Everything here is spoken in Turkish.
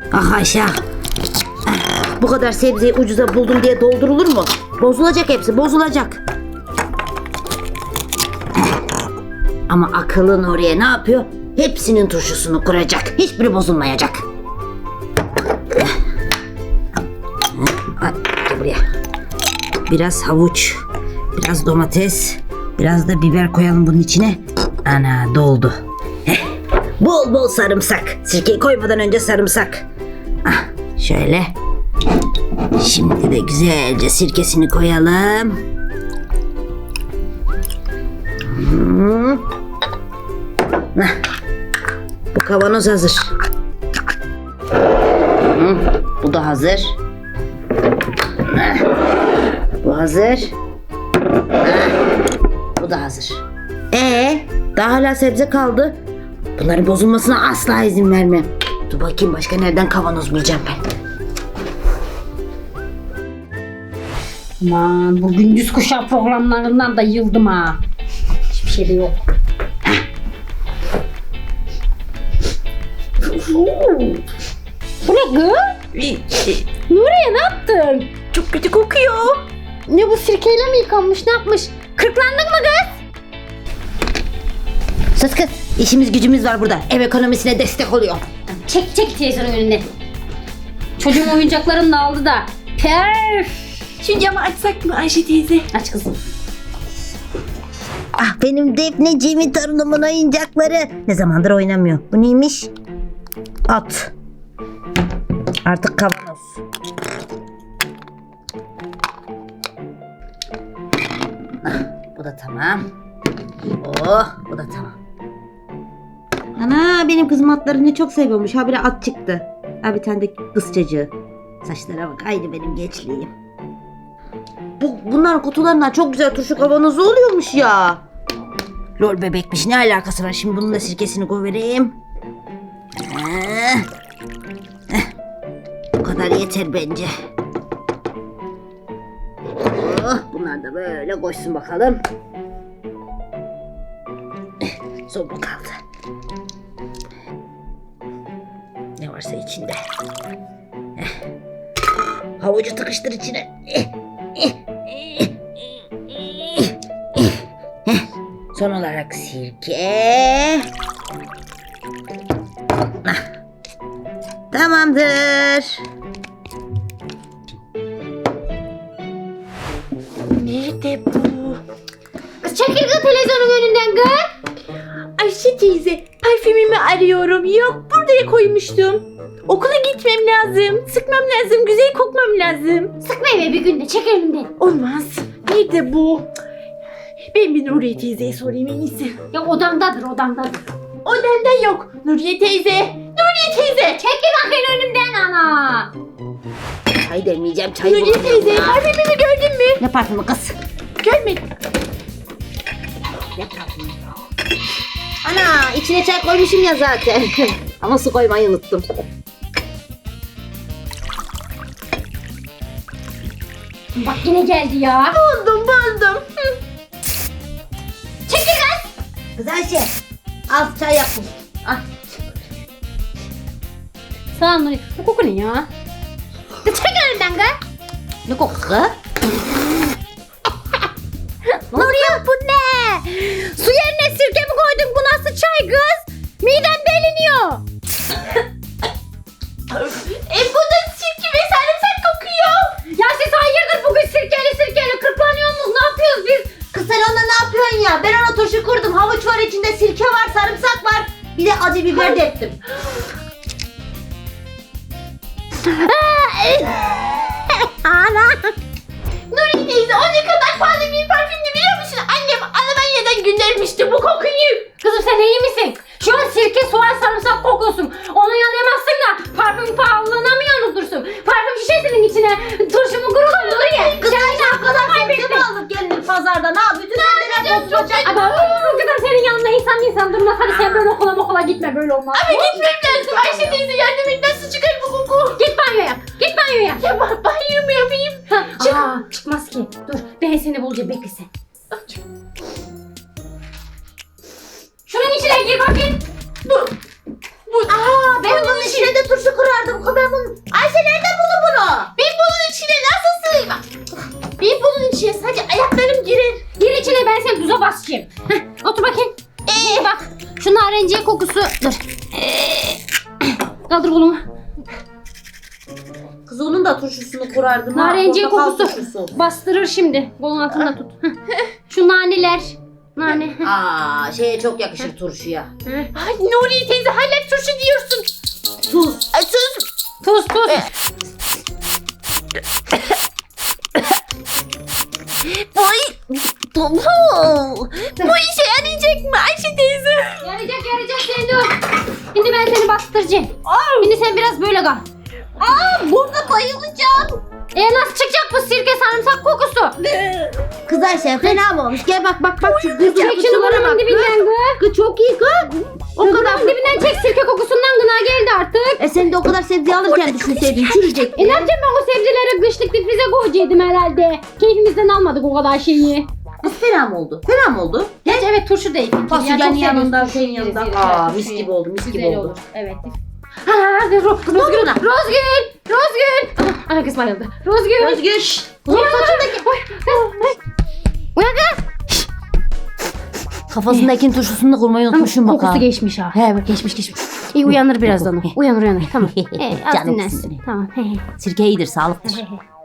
Ah Ayşe. Bu kadar sebzeyi ucuza buldum diye doldurulur mu? Bozulacak hepsi, bozulacak. Ama akıllı Nuriye ne yapıyor? Hepsinin turşusunu kuracak. Hiçbiri bozulmayacak. Gel buraya. Biraz havuç, biraz domates, biraz da biber koyalım bunun içine. Ana doldu. Bol bol sarımsak. Sirkeyi koymadan önce sarımsak. Ah, şöyle. Şimdi de güzelce sirkesini koyalım. Bu kavanoz hazır. Bu da hazır. Bu hazır. Bu da hazır. Daha hala sebze kaldı. Bunların bozulmasına asla izin vermem. Dur bakayım başka nereden kavanoz bulacağım ben. Aman bu gündüz kuşağı programlarından da yıldım ha. Hiçbir şey de yok. Bu ne kız? Nuriye ne yaptın? Çok kötü kokuyor. Ne bu sirkeyle mi yıkanmış ne yapmış? Kırklandın mı kız? Sus kız. İşimiz gücümüz var burada. Ev ekonomisine destek oluyor. Çek televizyonun önüne. Çocuğun oyuncaklarını da aldı da. Perf. Şu camı açsak mı Ayşe teyze? Aç kızım. Ah benim Defneciğimin torunumun oyuncakları. Ne zamandır oynamıyor. Bu neymiş? At. Artık kavanoz. Bu da tamam. Oh, bu da tamam. Ana benim kızım atlarını çok seviyormuş. Ha bir at çıktı. Ha bir tane de kız çocuğu. Saçlara bak aynı benim gençliğim. Bunların kutularından çok güzel turşu kavanozu oluyormuş ya. Lol bebekmiş ne alakası var? Şimdi bunun da sirkesini koyvereyim. Bu kadar yeter bence. Oh, bunlar da böyle koysun bakalım. Son bu kaldı. Ne varsa içinde. Havucu tıkıştır içine. Son olarak sirke. Tamamdır. Nerede bu? Kız çekil kız televizyonun önünden kız. Ayşe teyze parfümümü arıyorum. Yok buraya koymuştum. Okula gitmem lazım. Sıkmam lazım. Güzel kokmam lazım. Sıkma eve bir günde çek önümden. Olmaz. Nerede bu? Ben bir Nuriye teyzeye sorayım en iyisi. Ya odamdadır odamdadır. Odamda yok. Nuriye teyze. Nuriye teyze. Çekil bakayım önümden ana. Çay demeyeceğim çay Nuriye teyze parfümümü gördün mü? Ne parfümü kız? Görmedim. Ne parfümü? Ana içine çay koymuşum ya zaten. Ama su koymayı unuttum. Bak yine geldi ya. Buldum. Hı. Çekil kız. Kız Ayşe al çay yapın. Al. Sağ ol Nuri. Bu koku ne ya? Kız çekil önümden kız. Ne koku kız? Nuriye bu ne? Su yerine sirke mi koydun? Bu nasıl çay kız? Midem deliniyor. Bu da sirke ve sarımsak kokuyor. Ya siz hayırdır bugün sirkeli kırklanıyor musunuz? Ne yapıyoruz biz? Kız sen onda ne yapıyorsun ya? Ben ona turşu kurdum. Havuç var içinde, sirke var, sarımsak var. Bir de acı biber de ettim. Ana. Nuriye teyze o ne kadar pahalı bir parfümdü biliyor musun? Annem Almanya'dan göndermişti bu kokuyu. Kızım sen iyi misin? Şu an sirke, soğan, sarımsak kokuyorsun. Onu yanayamazsın da parfüm pahalılığına mı yanıltırsın? Parfüm şişesinin içine turşumu kurulur Nuriye. Kız Ayşe o kadar sebze mi aldık gelinir pazardan ha? Bütün sebzeler bozulacak. Ama bu kadar senin yanında insan durmaz. Hadi sen böyle okula gitme böyle olmaz. Ama gitmem lazım Ayşe teyze yardım et nasıl çıkar bu koku? Git banyoya. Git banyoya. Ya banyo mu yapayım? Aa, çıkmaz ki. Dur ben seni bulacağım bekle sen. Şunun içine gir bakayım. Bu. Ben bunun İçine de turşu kurar. kurardım. Ben bunu... Ayşe nereden buldun bunu? Ben bunun içine nasıl sığayım? Ben bunun içine sadece ayaklarım girer. Gir içine, ben seni tuza basacağım. Heh, otur bakayım. Bak şu narenciye kokusu. Dur. Kaldır kolumu. Kız onun da turşusunu kurardım. Narenciye Portakal kokusu turşusu. bastırır şimdi. Kolun altında tut. Heh. Şu naneler. Nane. Aa, şeye çok yakışır turşuya. Ay Nuriye teyze hala turşu diyorsun. Tuz. Ay sus. Tuz tuz. Bu işe yarayacak mı Ayşe teyze? Yarayacak seni dur. Şimdi ben seni bastıracağım. Şimdi sen biraz böyle kal. Burada bayılacağım. Nasıl çıkacak bu sirke sarımsak kokusu? Kız Ayşe fena mı olmuş? Gel bak şu kız Çek şunu buranın dibinden gı. Kız çok iyi kız. O kadar dibinden çek, sirke kokusundan gına geldi artık. Sen de o kadar sebze alırken düşünseydin çürüyecek. Ne yapacağım ben o sebzeleri kışlık difrize koyacaktım herhalde. Keyfimizden almadık o kadar şeyi. Kız fena mı oldu? Fena mı oldu? Geç evet turşu değil. Fasulyenin yanında şeyin yanında. Aa mis gibi oldu mis gibi oldu. Evet. Rozgül. Ana kız bayıldı. Rozgül. Özgür. Uyan saçındaki. Uyan kız. Kafasındakinin turşusunu da kurmayı unutmuşum bak. Kokusu geçmiş ha. He bak geçmiş. İyi uyanır birazdan o. Uyanır. Tamam. Az Canım dinlensin. sizin. Tamam. Sirke iyidir sağlıktır.